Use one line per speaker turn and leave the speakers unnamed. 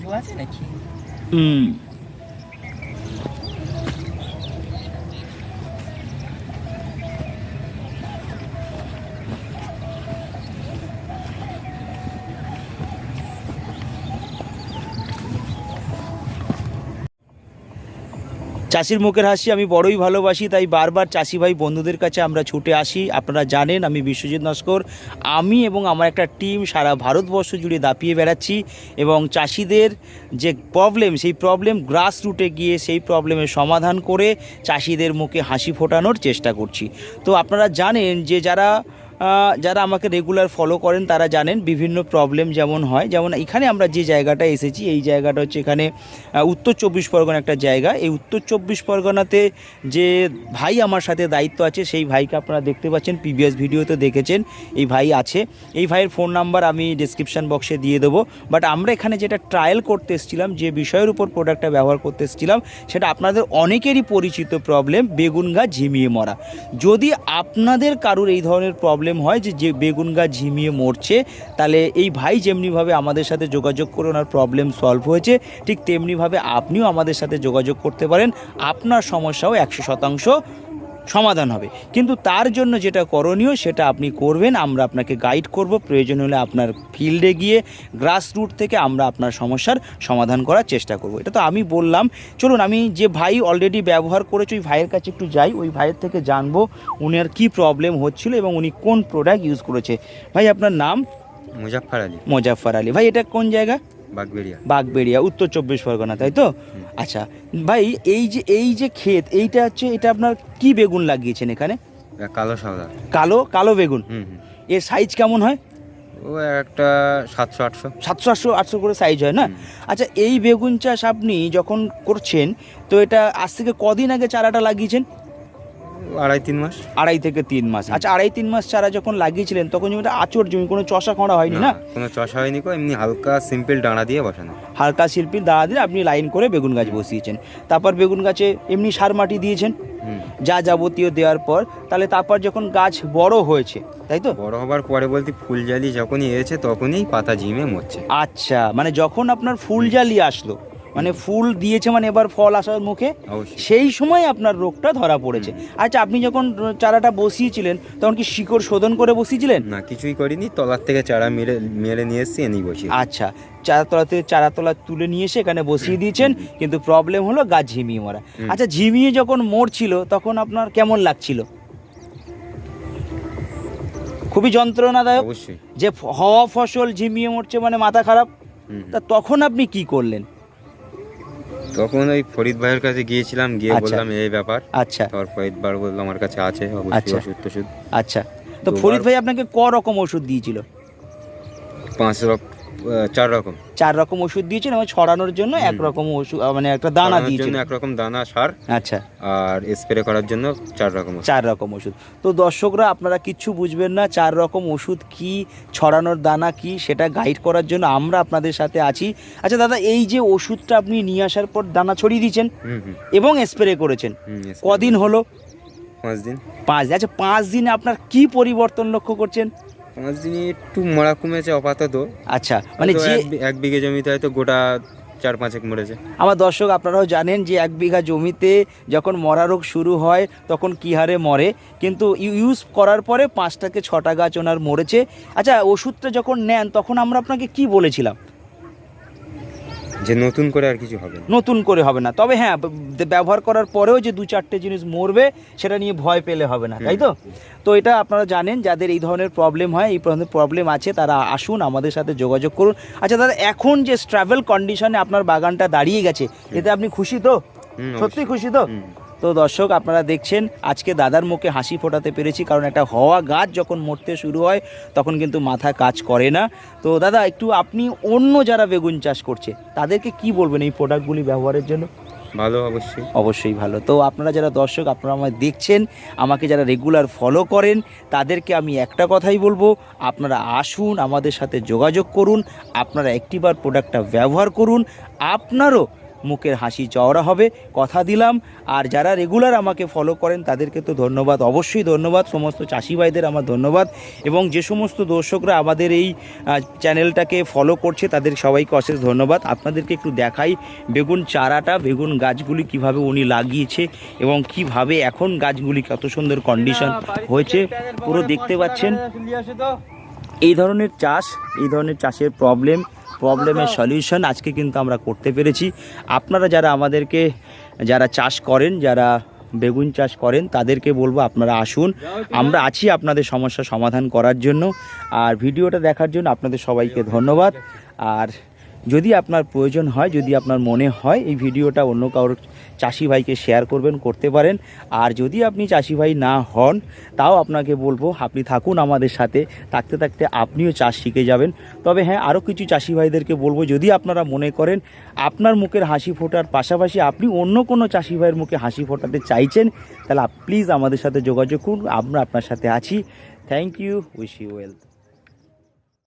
আছে নাকি?
চাষির মুখের হাসি আমি বড়ই ভালোবাসি, তাই বারবার চাষি ভাই বন্ধুদের কাছে আমরা ছুটে আসি। আপনারা জানেন আমি বিশ্বজিৎ নস্কর, আমি এবং আমার একটা টিম সারা ভারতবর্ষ জুড়ে দাপিয়ে বেড়াচ্ছি এবং চাষিদের যে প্রবলেম, সেই প্রবলেম গ্রাস রুটে গিয়ে সেই প্রবলেমের সমাধান করে চাষিদের মুখে হাসি ফোটানোর চেষ্টা করছি। তো আপনারা জানেন যে যারা আমাকে রেগুলার ফলো করেন তারা জানেন বিভিন্ন প্রবলেম যেমন হয়, যেমন এখানে আমরা যে জায়গাটায় এসেছি এই জায়গাটা হচ্ছে এখানে উত্তর চব্বিশ পরগনা একটা জায়গা। এই উত্তর চব্বিশ পরগনাতে যে ভাই আমার সাথে দায়িত্ব আছে সেই ভাইকে আপনারা দেখতে পাচ্ছেন, প্রিভিয়াস ভিডিওতে দেখেছেন এই ভাই আছে। এই ভাইয়ের ফোন নাম্বার আমি ডিসক্রিপশান বক্সে দিয়ে দেবো। বাট আমরা এখানে যেটা ট্রায়াল করতে এসেছিলাম, যে বিষয়ের উপর প্রোডাক্টটা ব্যবহার করতে এসেছিলাম, সেটা আপনাদের অনেকেরই পরিচিত প্রবলেম, বেগুন গাছ ঝিমিয়ে মরা। যদি আপনাদের কারুর এই ধরনের প্রবলেম হয় যে বেগুন গাছ ঝিমিয়ে মরছে, তাহলে এই ভাই যেমনিভাবে আমাদের সাথে যোগাযোগ করে ওনার প্রবলেম সলভ হয়েছে, ঠিক তেমনিভাবে আপনিও আমাদের সাথে যোগাযোগ করতে পারেন, আপনার সমস্যাও 100% সমাধান হবে। কিন্তু তার জন্য যেটা করণীয় সেটা আপনি করবেন, আমরা আপনাকে গাইড করব, প্রয়োজন হলে আপনার ফিল্ডে গিয়ে গ্রাস রুট থেকে আমরা আপনার সমস্যার সমাধান করার চেষ্টা করব। এটা তো আমি বললাম, চলুন আমি যে ভাই অলরেডি ব্যবহার করেছে ওই ভাইয়ের কাছে একটু যাই, ওই ভাইয়ের থেকে জানবো উনার কী প্রবলেম হচ্ছিল এবং উনি কোন প্রোডাক্ট ইউজ করেছে। ভাই আপনার নাম?
মুজাফফর আলী।
মুজাফফর আলী। ভাই এটা কোন জায়গা? বাগবেড়িয়া, উত্তর চব্বিশ পরগনা, তাই তো? আচ্ছা ভাই, এই যে ক্ষেত, এইটা হচ্ছে, এটা আপনার কি বেগুন লাগিয়েছেন এখানে?
কালো সাদা।
কালো বেগুন। এর সাইজ কেমন হয়?
ও একটা 700-800
করে সাইজ হয় না? আচ্ছা, এই বেগুন চাষ আপনি যখন করছেন, তো এটা আজ থেকে কদিন আগে চারাটা লাগিয়েছেন?
2.5-3 মাস।
2.5 থেকে 3 মাস। আচ্ছা, 2.5-3 মাস চারা যখন লাগিয়েছিলেন তখন জমিটা আঁচড় জমি, কোনো চষা খড়া হয়নি না?
কোনো চষা হয়নি, এমনি হালকা সিম্পল ডাঁড়া দিয়ে বসানো।
হালকা শিল্পীর দাঁড়া দিয়ে আপনি লাইন করে বেগুন গাছ বসিয়েছেন। তারপর বেগুন গাছে এমনি সার মাটি দিয়েছেন যা যাবতীয় দেওয়ার পর, তাহলে তারপর যখন গাছ বড় হয়েছে, তাই তো?
বড় হবার পরে বলতে ফুল জালি যখনই এসেছে তখনই পাতা ঝিমে মরছে।
আচ্ছা, মানে যখন আপনার ফুল জালি আসলো, মানে ফুল দিয়েছে, মানে এবার ফল আসার মুখে, সেই সময় আপনার রোগটা ধরা পড়েছে। আচ্ছা, আপনি যখন চারাটা বসিয়েছিলেন তখন কি শিকড় শোধন করে বসিয়েছিলেন?
না, কিছুই করিনি, তলার থেকে চারা মেরে নিয়ে এসেছি, এনেই বসিয়ে।
আচ্ছা, চারাতলা তুলে নিয়ে এসে এখানে বসিয়ে দিয়েছেন, কিন্তু প্রবলেম হলো গাছ ঝিমিয়ে মরা। আচ্ছা, ঝিমিয়ে যখন মরছিল তখন আপনার কেমন লাগছিল? খুবই যন্ত্রণাদায়ক।
অবশ্যই।
যে হওয়া ফসল ঝিমিয়ে মরছে মানে মাথা খারাপ। তা তখন আপনি কি করলেন?
তখন ওই ফরিদ ভাইয়ের কাছে গিয়েছিলাম, গিয়ে বললাম এই ব্যাপার।
আচ্ছা,
তারপর ফরিদ ভাই বললো আমার কাছে আছে অবশ্যই ওষুধ।
আচ্ছা, তো ফরিদ ভাই আপনাকে ক রকম ওষুধ দিয়েছিল? 4 রকম ওষুধ দিয়েছেন এবং ছড়ানোর জন্য একরকম ওষুধ, মানে একটা দানা দিয়েছেন,
একরকম দানা সার।
আচ্ছা,
আর স্প্রে করার জন্য 4 রকম
ওষুধ। তো দর্শকরা, আপনারা কিচ্ছু বুঝবেন না 4 রকম ওষুধ কি, ছড়ানোর দানা কি, সেটা গাইড করার জন্য আমরা আপনাদের সাথে আছি। আচ্ছা দাদা, এই যে ওষুধটা আপনি নিয়ে আসার পর দানা ছড়িয়ে দিয়েছেন এবং স্প্রে করেছেন, কদিন হলো?
5 দিন।
5 দিন। আচ্ছা, 5 দিনে আপনার কি পরিবর্তন লক্ষ্য করছেন?
5 দিনে একটু মরা কমেছে আপাতত।
আচ্ছা, মানে যে
1 বিঘে জমিতে হয়তো গোটা 4-5 মরেছে।
আমার দর্শক, আপনারাও জানেন যে 1 বিঘা জমিতে যখন মরা রোগ শুরু হয় তখন কী হারে মরে, কিন্তু ইউজ করার পরে 5 থেকে 6টা গাছ ওনার মরেছে। আচ্ছা, ওষুধটা যখন নেন তখন আমরা আপনাকে কি বলেছিলাম?
যে নতুন করে আর কিছু হবে না।
নতুন করে হবে না, তবে হ্যাঁ, ব্যবহার করার পরেও যে 2-4টে জিনিস মরবে সেটা নিয়ে ভয় পেলে হবে না, তাই তো? তো এটা আপনারা জানেন, যাদের এই ধরনের প্রবলেম হয়, এই ধরনের প্রবলেম আছে, তারা আসুন আমাদের সাথে যোগাযোগ করুন। আচ্ছা দাদা, এখন যে স্ট্রাভেল কন্ডিশনে আপনার বাগানটা দাঁড়িয়ে গেছে, এতে আপনি খুশি তো? সত্যি খুশি তো? তো দর্শক, আপনারা দেখছেন আজকে দাদার মুখে হাসি ফোটাতে পেরেছি, কারণ একটা হওয়া গাছ যখন মরতে শুরু হয় তখন কিন্তু মাথা কাজ করে না। তো দাদা, একটু আপনি অন্য যারা বেগুন চাষ করছে তাদেরকে কি বলবেন এই প্রোডাক্টগুলি ব্যবহারের জন্য?
ভালো,
অবশ্যই ভালো। তো আপনারা যারা দর্শক, আপনারা আমায় দেখছেন, আমাকে যারা রেগুলার ফলো করেন, তাদেরকে আমি একটা কথাই বলবো, আপনারা আসুন আমাদের সাথে যোগাযোগ করুন, আপনারা একটিবার প্রোডাক্টটা ব্যবহার করুন, আপনারও মুখের হাসি চওড়া হবে, কথা দিলাম। আর যারা রেগুলার আমাকে ফলো করেন তাদেরকে তো ধন্যবাদ, অবশ্যই ধন্যবাদ। সমস্ত চাষি ভাইদের আমার ধন্যবাদ, এবং যে সমস্ত দর্শকরা আমাদের এই চ্যানেলটাকে ফলো করছে তাদের সবাইকে অশেষ ধন্যবাদ। আপনাদেরকে একটু দেখাই বেগুন চারাটা, বেগুন গাছগুলি কিভাবে উনি লাগিয়েছে এবং কিভাবে এখন গাছগুলি কত সুন্দর কন্ডিশন হয়েছে পুরো দেখতে পাচ্ছেন। এই ধরনের চাষের প্রবলেমের সলিউশন আজকে কিন্তু আমরা করতে পেরেছি। আপনারা যারা আমাদেরকে যারা চাষ করেন, যারা বেগুন চাষ করেন, তাদেরকে বলবো আপনারা আসুন, আমরা আছি আপনাদের সমস্যা সমাধান করার জন্য। আর ভিডিওটা দেখার জন্য আপনাদের সবাইকে ধন্যবাদ। আর যদি আপনার প্রয়োজন হয়, যদি আপনার মনে হয় এই ভিডিওটা অন্য কারোর চাষি ভাইকে শেয়ার করতে পারেন। আর যদি আপনি চাষি ভাই না হন, তাও আপনাকে বলবো আপনি থাকুন আমাদের সাথে, থাকতে থাকতে আপনিও চাষ শিখে যাবেন। তবে হ্যাঁ, আরও কিছু চাষি ভাইদেরকে বলবো, যদি আপনারা মনে করেন আপনার মুখের হাসি ফোটার পাশাপাশি আপনি অন্য কোনো চাষি ভাইয়ের মুখে হাসি ফোটাতে চাইছেন, তাহলে প্লিজ আমাদের সাথে যোগাযোগ করুন, আমরা আপনার সাথে আছি। Thank you, wish you well.